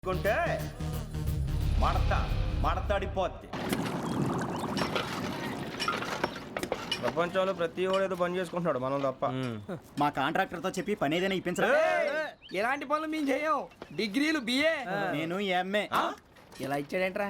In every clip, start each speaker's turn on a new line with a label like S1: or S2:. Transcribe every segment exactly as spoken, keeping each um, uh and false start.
S1: కొంటే మడత మడతాడిపోద్ది. ప్రపంచంలో ప్రతి వాడు ఏదో పని చేసుకుంటున్నాడు, మనం తప్ప.
S2: మా కాంట్రాక్టర్తో చెప్పి పని ఏదైనా ఇప్పించరా?
S3: ఎలాంటి పనులు మేము చేయం. డిగ్రీలు బిఏ,
S2: నేను ఎంఏ.
S3: ఇలా ఇచ్చాడేంట్రా?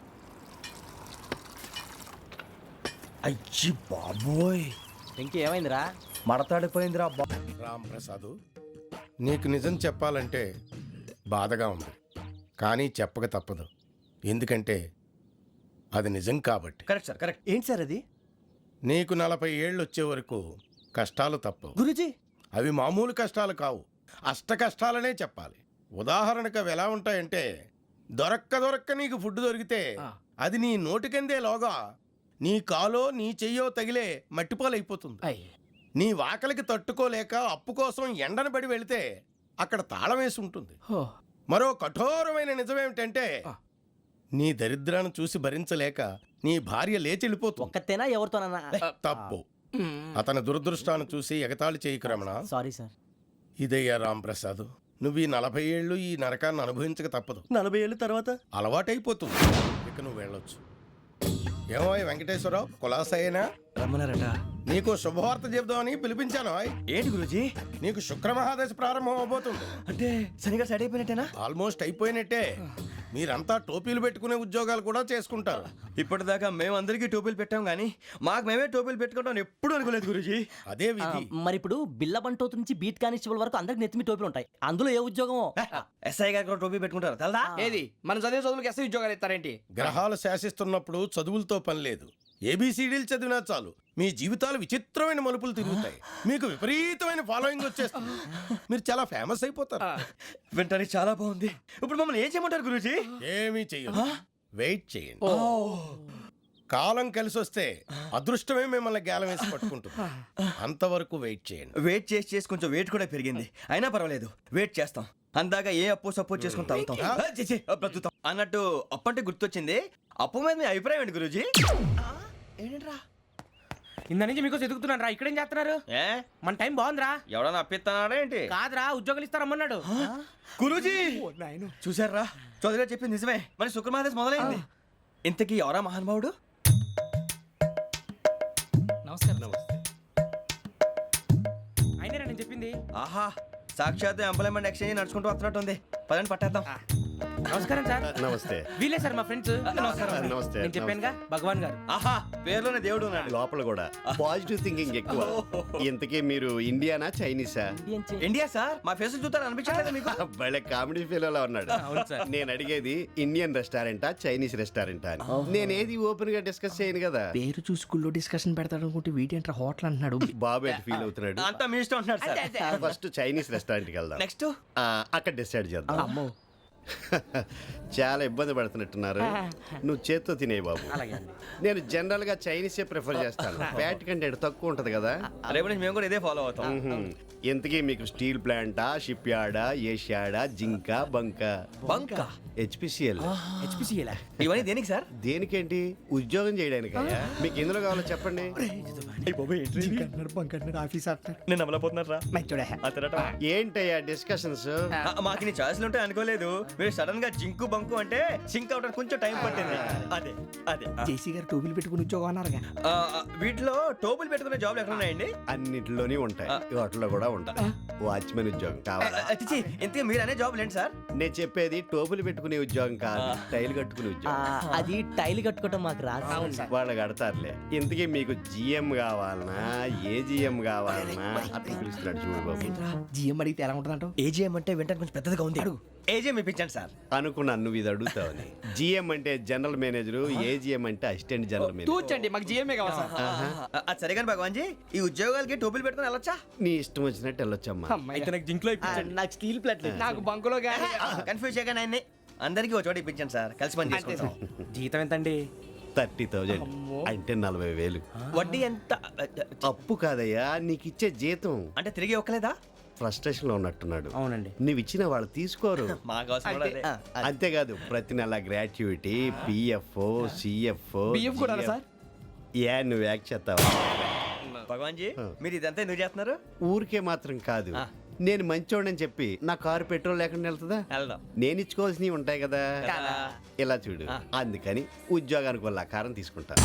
S1: అయ్యి బాబోయ్,
S3: ఇంకేమైందిరా?
S1: మడతాడిపోయిందిరా.
S4: రామ్ ప్రసాద్, నీకు నిజం చెప్పాలంటే బాధగా ఉంది, కానీ చెప్పక తప్పదు. ఎందుకంటే అది నిజం కాబట్టి.
S1: Correct sir, correct.
S2: ఏంటి సార్ అది?
S4: నీకు నలభై ఏళ్ళు వచ్చే వరకు కష్టాలు తప్పవు.
S2: గురుజీ,
S4: అవి మామూలు కష్టాలు కావు, అష్ట కష్టాలనే చెప్పాలి. ఉదాహరణకు అవి ఎలా ఉంటాయంటే, దొరక్క దొరక్క నీకు ఫుడ్ దొరికితే అది నీ నోటికందే లోగా నీ కాలో నీ చెయ్యో తగిలే మట్టిపాలైపోతుంది. నీ వాకలికి తట్టుకోలేక అప్పు కోసం ఎండను పడి వెళితే అక్కడ తాళం వేసి ఉంటుంది. మరో కఠోరమైన నిజమేమిటంటే, నీ దరిద్రాన్ని చూసి భరించలేక నీ భార్య లేచి వెళ్ళిపోతుంది.
S5: ఒక్కతేనా ఎవరితోనన్నా?
S4: తప్పు. అతని దురదృష్టాన్ని చూసి ఎగతాళి చేయకు రమణ.
S5: Sorry sir.
S4: ఇదయ్యా రాంప్రసాద్, నువ్వు ఈ నలభై ఏళ్ళు ఈ నరకాన్ని అనుభవించక తప్పదు.
S2: నలభై ఏళ్ళ తర్వాత
S4: అలవాటైపోతుంది. ఇక నువ్వు వెళ్ళొచ్చు. ఏమో వెంకటేశ్వరరావు, కులాసైనా
S1: రమ్మన్నారట.
S4: నీకు శుభవార్త చెబుదామని పిలిపించాను.
S1: ఏంటి గురూజీ?
S4: నీకు శుక్రమహాదశ ప్రారంభం అవబోతుంది.
S1: అంటే సరిగా సెట్ అయిపోయినట్టేనా?
S4: ఆల్మోస్ట్ అయిపోయినట్టే. మీరంతా టోపీలు పెట్టుకునే ఉద్యోగాలు కూడా చేసుకుంటారు.
S1: ఇప్పటిదాకా మేమందరికీ టోపీలు పెట్టాం, కానీ మాకు మేమే టోపీలు పెట్టుకుంటాం ఎప్పుడు అనుకోలేదు గురూజీ.
S4: అదే విధి.
S5: మరి ఇప్పుడు బిల్ల బంటోతు నుంచి బీట్ కానిస్టేబుల్ వరకు అందరికి నెత్తిమి టోపీలు ఉంటాయి. అందులో ఏ ఉద్యోగం?
S1: ఎస్ఐ గారు కూడా టోపీ పెట్టుకుంటారు తెలదా?
S3: ఏది మన చదివే చదువులకు ఎస్ఐ ఉద్యోగాలు ఇస్తారేంటి?
S4: గ్రహాలు శాసిస్తున్నప్పుడు చదువులతో పని లేదు. ఏబిసిడీలు చదివినా చాలు మీ జీవితాలు విచిత్రమైన మలుపులు తిరుగుతాయి. మీకు విపరీతమైన ఫాలోయింగ్ వచ్చేస్తుంది. మీరు చాలా ఫేమస్ అయిపోతారు.
S1: వింటానికి చాలా బాగుంది. ఇప్పుడు మమ్మల్ని ఏం చేయమంటారు గురూజీ?
S4: ఏమీ చెయ్యదు, వెయిట్ చేయండి. కాలం కలిసి వస్తే అదృష్టమే మిమ్మల్ని గేలం వేసి పట్టుకుంటుంది. అంతవరకు వెయిట్ చేయండి.
S1: వెయిట్ చేసి చేసి కొంచెం వెయిట్ కూడా పెరిగింది. అయినా పర్వాలేదు, వెయిట్ చేస్తాం. అందాక ఏ అప్పు సపోర్ట్ చేసుకుని తాగుతాం, ఆ, ఛీ, ఛీ, ఆ, బ్రతుకుతాం అన్నట్టు. అప్పు అంటే గుర్తొచ్చింది, అప్పు మీద మీ అభిప్రాయం ఏంటి గురూజీ?
S3: ఏంటరా ఇంత నుంచి మీకు ఎదుగుతున్నాను రా. ఇక్కడేం చేస్తున్నారు?
S1: ఏ
S3: మన టైం బాగుందిరా.
S1: ఎవడన్నా అప్పిస్తున్నాడా ఏంటి?
S3: కాదురా, ఉద్యోగాలు ఇస్తారమ్మన్నాడు.
S1: గురూజీ చూసారా, చౌదరిగా చెప్పింది నిజమే. మరి శుక్రమహాదేశ్ మొదలైంది. ఇంతకీ ఎవరా మహానుభావుడు?
S3: నమస్కారం. అయినా నేను చెప్పింది.
S1: ఆహా, సాక్షాత్ ఎంప్లాయ్మెంట్ ఎక్స్చేంజ్ నడుచుకుంటూ వస్తున్నట్టు ఉంది. పదండి పట్టేద్దాం.
S3: నమస్కారం సార్.
S6: నమస్తే.
S3: వీలే సార్ మా ఫ్రెండ్స్.
S1: నమస్కారం.
S6: నమస్తే.
S3: నేను చెప్పానుగా భగవాన్ గారు.
S1: ఆహా, పేర్లోనే దేవుడు ఉన్నాడు.
S6: లోపల కూడా పాజిటివ్ థింకింగ్ ఎక్కువ. ఇంతకీ మీరు ఇండియానా చైనీసా?
S1: India sir. మా ఫేస్ చూస్తారు అనిపించలేదు మీకు?
S6: భలే కామెడీ ఫీల్ అలా ఉన్నాడు. నేను అడిగేది ఇండియన్ రెస్టారెంటా చైనీస్ రెస్టారెంటా అని. నేను ఏది ఓపెన్ గా డిస్కస్ చేయను కదా.
S3: పేరు చూసి స్కూల్లో డిస్కషన్ పెడతాడు అనుకుంటే వీటేంట్రా హోటల్ అంటున్నాడు.
S6: బాబు ఎట్ ఫీల్ అవుతున్నాడు.
S1: అంతా మీ ఇష్టం ఉంటున్నారు సార్.
S6: ఫస్ట్ చైనీస్ రెస్టారెంట్ కి వెళ్దాం.
S1: నెక్స్ట్
S6: ఆ, అక్కడ డిసైడ్ చేద్దాం. చాలా ఇబ్బంది పడుతున్నట్టున్నారు. నువ్వు చేత్తో తినే బాబు. నేను జనరల్ గా చైనీసే ప్రిఫర్ చేస్తాను. ఫ్యాట్ కంటెంట్ తక్కువ ఉంటది కదా.
S1: రేపు నుంచి మేము కూడా ఇదే ఫాలో అవుతాం.
S6: ఎంతకీ మీకు స్టీల్ ప్లాంటా, షిప్ యార్డా, ఏషియాడా, జింక, బంక?
S1: బంక,
S6: హెచ్పిసిఎల్.
S1: ఇవన్నీ దేనికి సార్?
S6: దేనికేంటి? ఉద్యోగం చేయడానికి. మీకు ఎందులో కావాలో చెప్పండి.
S1: నేను అమలపోతున్నారా?
S6: ఏంటయ్యా డిస్కషన్స్?
S1: మాకు నీ ఛాయిస్లు ఉంటాయి అనుకోలేదు. మీరు సడన్ గా జింకు బంకు అంటే సింక్ అవడానికి కొంచెం టైం పట్టింది. అదే అదే
S3: జేసీ గారు టోపీలు పెట్టుకుని ఉద్యోగం అన్నారుగా.
S1: ఆ, వీటిలో టోపులు పెట్టుకునే జాబ్లు ఎక్కడ ఉన్నాయండి?
S6: అన్నిటిలోనే ఉంటాయి, వాటిలో కూడా ఉంటాయి. వాచ్మెన్ ఉద్యోగం కావాలా?
S1: అతిచి ఇంతకీ మీరు అనే జాబ్ ఏంటి సార్?
S6: నేను చెప్పేది టోపులు పెట్టుకునే ఉద్యోగం కాదు, టైల్ కట్టుకునే ఉద్యోగం.
S5: అది టైల్ కట్టుకోవటం మాకు రాదు.
S6: వాళ్ళు కడతారులే. ఇంతకీ మీకు జిఎం కావాలనా, ఏ జిఎం కావాలనా? అట్లా పిలుస్తున్నాడు చూడు బాబు.
S3: జిఎం అడిగితే ఎలా ఉంటుందంట?
S1: ఏజీఎం అంటే వింటానికి కొంచెం పెద్దదిగా ఉంది. ఏజీఎం ఇప్పించండి సార్.
S6: అనుకున్నాను నువ్వు ఇది అడుగుతావని. జిఎం అంటే జనరల్ మేనేజర్, ఏజిఎం అంటే అసిస్టెంట్ జనరల్ మేనేజర్.
S3: తూచండి, మాకు జిఎంఏ కావాలి సార్.
S1: అది సరే కానీ భగవాన్ జీ, ఈ ఉద్యోగాలకి టోపులు పెట్టుకుని వెళ్ళొచ్చా?
S6: నీ ఇష్టం వచ్చినట్టు వెళ్ళొచ్చమ్మా.
S3: అయితే నాకు జింక్లో
S5: నాకు స్టీల్ ప్లేట్
S3: నాకు బంకులో గానీ.
S1: కన్ఫ్యూజ్ చేయగానే ఆయన్ని అందరికీ ఒక చోట ఇప్పించండి సార్, కలిసి పని చేసుకుంటాం.
S3: జీతం ఎంతండి?
S6: థర్టీ థౌజండ్ అంటే నలభై వేలు.
S1: వడ్డీ ఎంత?
S6: అప్పు కాదయ్యా, నీకు ఇచ్చే జీతం.
S1: అంటే తిరిగి ఒక్కలేదా?
S6: ఫ్రస్ట్రేషన్ లో ఉన్నట్టున్నాడు.
S3: అవునండి.
S6: నువ్వు ఇచ్చిన వాళ్ళు తీసుకోరు.
S1: మాకు అవసరం కూడా అదే.
S6: అంతేకాదు ప్రతి నెల గ్రాట్యుటీ, పిఎఫ్, సిఎఫ్.
S3: బియ్యం కూడా సార్?
S6: ఏ నువ్వు యాక్ట్ చేస్తావా?
S1: భగవాన్ జీ, మీరు ఇదంతా ఎందుకు చేస్తున్నారు?
S6: ఊరికే మాత్రం కాదు, నేను మంచోడని చెప్పి నా కారు పెట్రోల్ లేకుండా వెళ్తుందా
S1: వెళ్దాం.
S6: నేను ఇచ్చుకోవాల్సినవి ఉంటాయి కదా ఇలా చూడు అందుకని ఉద్యోగానికి వాళ్ళ ఆకారం తీసుకుంటా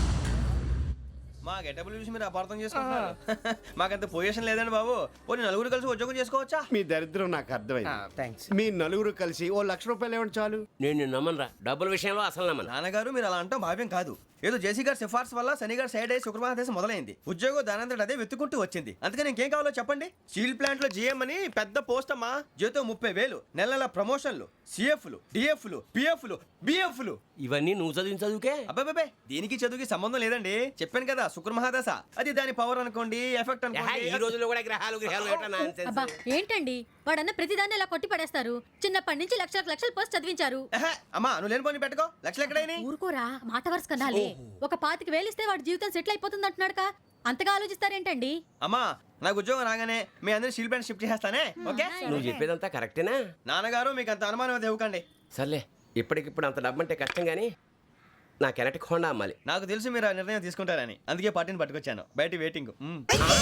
S1: మా గెటబుల్ చూసి మీరు అపార్థం చేసుకుంటున్నారు. మాకంత పొజిషన్ లేదండి బాబు. ఓ నలుగురు కలిసి ఉద్యోగం చేసుకోవచ్చా?
S6: మీ దరిద్రం నాకు అర్థమైంది
S3: థ్యాంక్స్.
S6: మీ నలుగురు కలిసి ఓ లక్ష రూపాయలు ఇవ్వండి చాలు
S7: నేను నమ్మనరా డబ్బుల విషయంలో అసలు నమ్మను.
S1: నాన్నగారు మీరు అలా అంటాం భావ్యం కాదు. ఏదో జేసీ గారి సిఫార్సు వల్ల శని గారు సైడ్ అయ్యి శుక్రవారం మొదలైంది. ఉద్యోగం దానంతటి అదే వెతుకుంటూ వచ్చింది. అందుకని ఇంకేం కావాలో చెప్పండి. స్టీల్ ప్లాంట్ లో జీఎం అని పెద్ద పోస్ట్ అమ్మా. జీతం ముప్పై వేలు, నెల నెల ప్రమోషన్లు, సిఎఫ్లు, డిఎఫ్లు, పిఎఫ్లు, బిఎఫ్లు.
S7: ఇవన్నీ నువ్వు చదివిన చదువుకే.
S1: అబ్బాబే దీనికి చదువుకి సంబంధం లేదండి. చెప్పాను కదా శుక్ర మహాదశ. అది దాని పవర్ అనుకోండి, ఎఫెక్ట్
S7: ఏహే, ఈ
S1: అనుకోండి.
S7: రోజుల్లో కూడా గ్రహాలు గ్రహాలు ఏటా nonsense?
S8: అబ్బా ఏంటండి వాడన్న ప్రతిదాన్ని ఇలా కొట్టి పడేస్తారు. చిన్నప్పటి నుంచి లక్షలకు లక్షలు పోస్ట్ చదివించారు.
S1: ఏహే, అమ్మా నువ్వు లేని పోనీ పెట్టుకో. లక్షలు ఎక్కడైనా
S8: ఊరుకోరా మాట వరుస కదాలే. ఒక పాతికి వేలిస్తే వాడి జీవితం సెటిల్ అయిపోతుంది అంటున్నాడుగా. అంతగా ఆలోచిస్తారేంటండి?
S1: అమ్మా నాకు ఉద్యోగం రాగానే మీ అందరి స్టీల్ ప్లాంట్ షిఫ్ట్ చేస్తానే. ఓకే
S7: నువ్వు చెప్పేదంతా కరెక్టేనా?
S1: నాన్నగారు మీకు అంత అనుమానం అయితే ఇవ్వకండి.
S7: సర్లే ఇప్పటికిప్పుడు అంత డబ్బు అంటే కష్టం కానీ నా కెనటిక్ హోండా అమ్మాలి.
S1: నాకు తెలుసు మీరు ఆ నిర్ణయం తీసుకుంటారని, అందుకే పార్టీని పట్టుకొచ్చాను. బయట వెయిటింగ్. మ్మ్.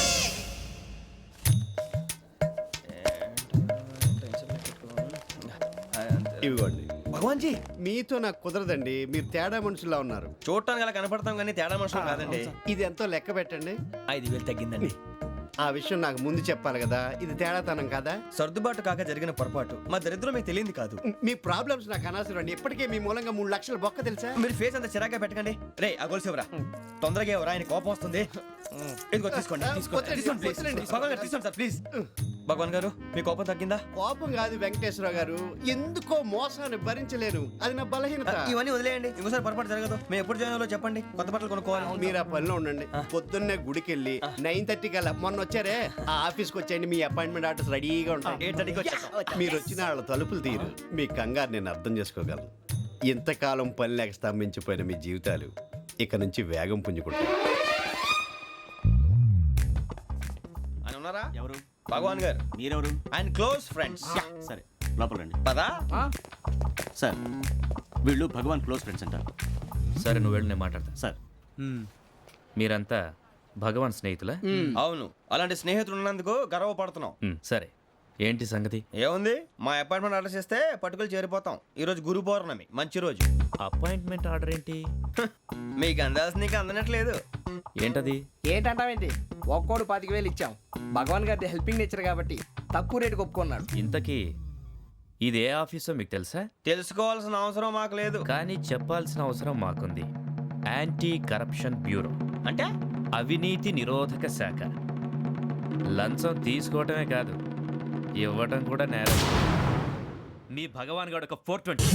S6: ఇవ్వండి
S1: భగవాన్ జీ
S6: మీతో నాకు కుదరదండి మీరు తేడా మనుషుల్లా ఉన్నారు
S1: చూడటానికి అలా కనపడతాం కానీ తేడా మనుషులు కాదండి.
S6: ఇది ఎంతో లెక్క పెట్టండి
S1: ఐదు వేలు తగ్గిందండి.
S6: ఆ విషయం నాకు ముందు చెప్పాలి కదా ఇది తేడాతనం కదా
S1: సర్దుబాటు కాక జరిగిన పొరపాటు. మా దరిద్రం మీకు తెలియదు కాదు.
S6: మీ ప్రాబ్లమ్స్ నాకు అనవసరం అండి ఇప్పటికే మీ మూలంగా మూడు లక్షలు బొక్క తెలుసా
S1: మీరు ఫేస్ అంత చిరాగ్గా పెట్టకండి. రే ఆ గొలుసు ఎవరా? తొందరగా ఎవరా? ఆయన కోపం వస్తుంది. ఇదిగో తీసుకోండి. తీసుకోండి.
S6: వద్దండి,
S1: తీసుకోండి, ప్లీజ్.
S6: వద్దండి.
S1: భగవాన్ గారు తీసుకోండి సార్ ప్లీజ్. భగవాన్ గారు మీ కోపం తగ్గిందా?
S6: కోపం కాదు వెంకటేశ్వర గారు ఎందుకో మోసాన్ని భరించలేను అది నా బలహీనత
S1: ఇవన్నీ వదిలేయండి. ఇంకోసారి పొరపాటు జరగదు. మేము ఎప్పుడు జాయిన్ అవ్వాలో చెప్పండి. కొత్త బట్టలు కొనుక్కోవాలి.
S6: మీరు ఆ పనిలో ఉండండి పొద్దున్నే గుడికి వెళ్ళి నైన్ థర్టీ కల్లా మొన్న వచ్చారే ఆ ఆఫీస్కి వచ్చేయండి మీ అపాయింట్మెంట్ ఆర్డర్స్ రెడీగా ఉంటాయి
S1: ఎయిట్ థర్టీకి వచ్చేస్తాం.
S6: మీరు వచ్చిన వాళ్ళ తలుపులు తీరు మీ కంగారు నేను అర్థం చేసుకోగలను ఇంతకాలం పని లేక స్తంభించిపోయిన మీ జీవితాలు ఇక నుంచి వేగం పుంజుకుంటాయి
S1: ఆయన ఉన్నారా?
S2: ఎవరు
S1: భగవాన్ గారు.
S2: మీరెవరు
S1: ఆయన క్లోజ్ ఫ్రెండ్స్.
S2: సరే లోపల రండి
S1: పదా
S2: సార్ వీళ్ళు భగవాన్ క్లోజ్ ఫ్రెండ్స్ అంటారు
S9: సరే నువ్వు వెళ్ళి నేను మాట్లాడతా
S2: సార్
S9: మీరంతా భగవాన్ స్నేహితులా
S1: అవును. అలాంటి స్నేహితులు ఉన్నందుకు గర్వపడుతున్నాం.
S9: మ్, సరే ఏంటి సంగతి
S1: ఏముంది, మా అపాయింట్మెంట్ ఆర్డర్ చేస్తే పట్టుకులు చేరిపోతాం. ఈ రోజు గురు పౌర్ణమి, మంచి రోజు.
S9: అపాయింట్మెంట్ ఆర్డర్ ఏంటి
S1: మీకు అందాల్సిన నీకు అందనట్లేదు.
S9: ఏంటది
S3: ఏంటంటావేంటి? ఒక్కోడు పాతిక వేలు ఇచ్చాం. భగవాన్ గారి హెల్పింగ్ నేచర్ కాబట్టి తక్కువ రేటుకి ఒప్పుకున్నాడు.
S9: ఇంతకీ ఇది ఏ ఆఫీసో మీకు తెలుసా
S1: తెలుసుకోవాల్సిన అవసరం మాకు లేదు.
S9: కానీ చెప్పాల్సిన అవసరం మాకుంది యాంటీ కరప్షన్ బ్యూరో
S1: అంటే
S9: అవినీతి నిరోధక శాఖ లంచం తీసుకోవటమే కాదు ఇవ్వటం కూడా నేరం మీ భగవాన్ గారు ఒక ఫోర్ ట్వంటీ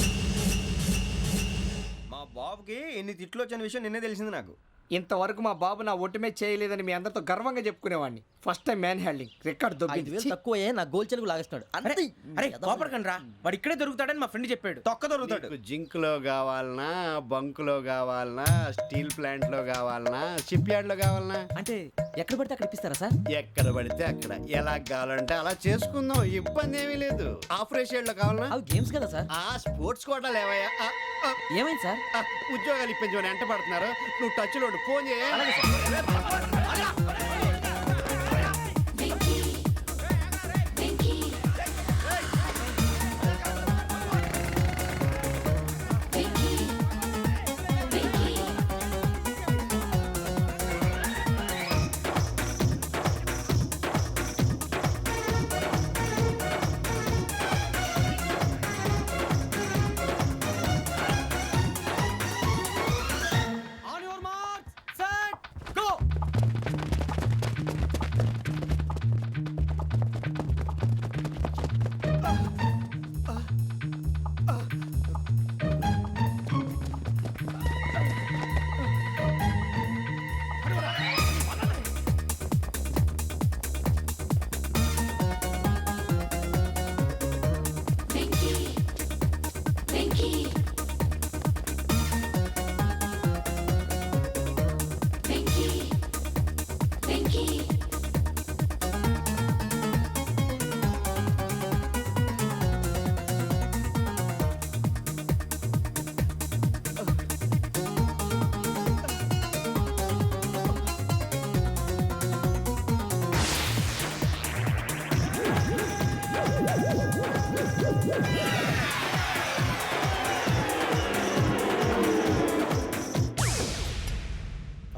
S1: మా బాబుకి ఎన్ని తిట్లు వచ్చిన విషయం నిన్నే తెలిసింది నాకు.
S3: ఇంతవరకు మా బాబు నా ఒట్టుమే చేయలేదని మీ అందరితో గర్వంగా చెప్పుకునేవాడిని. First time man handing record
S5: ఐదు
S3: దొబ్బింది.
S5: వేలు తక్కువే నా గోల్ చెలుగు లాగేస్తున్నాడు.
S3: అరే
S5: అంతే.
S3: అరే
S5: ఎదవ.
S3: కోపడకండి రా, వాడు ఇక్కడే దొరుకుతాడని మా ఫ్రెండ్ చెప్పాడు.
S1: తొక్క దొరుకుతాడు.
S6: మీకు జింక్లో కావాలనా బంకులో కావాలనా స్టీల్ ప్లాంట్లో కావాలనా షిప్ యార్డ్లో కావాలనా
S5: అంటే ఎక్కడ పడితే అక్కడ ఇప్పిస్తారా సార్?
S6: ఎక్కడ పడితే అక్కడ ఎలా కావాలంటే అలా చేసుకుందాం ఇబ్బంది ఏమీ లేదు ఆపరేషన్లో కావాలనా
S5: అవి గేమ్స్ కదా సార్.
S6: ఆ స్పోర్ట్స్ కోటాలు ఏవయ్యా ఆ, ఆ,
S5: ఏమైంది సార్?
S6: ఆ, ఉద్యోగాలు ఇప్పించమని ఎంట పడుతున్నారు నువ్వు టచ్లో ఉండు. ఫోన్ చేయ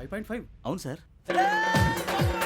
S2: అవును సార్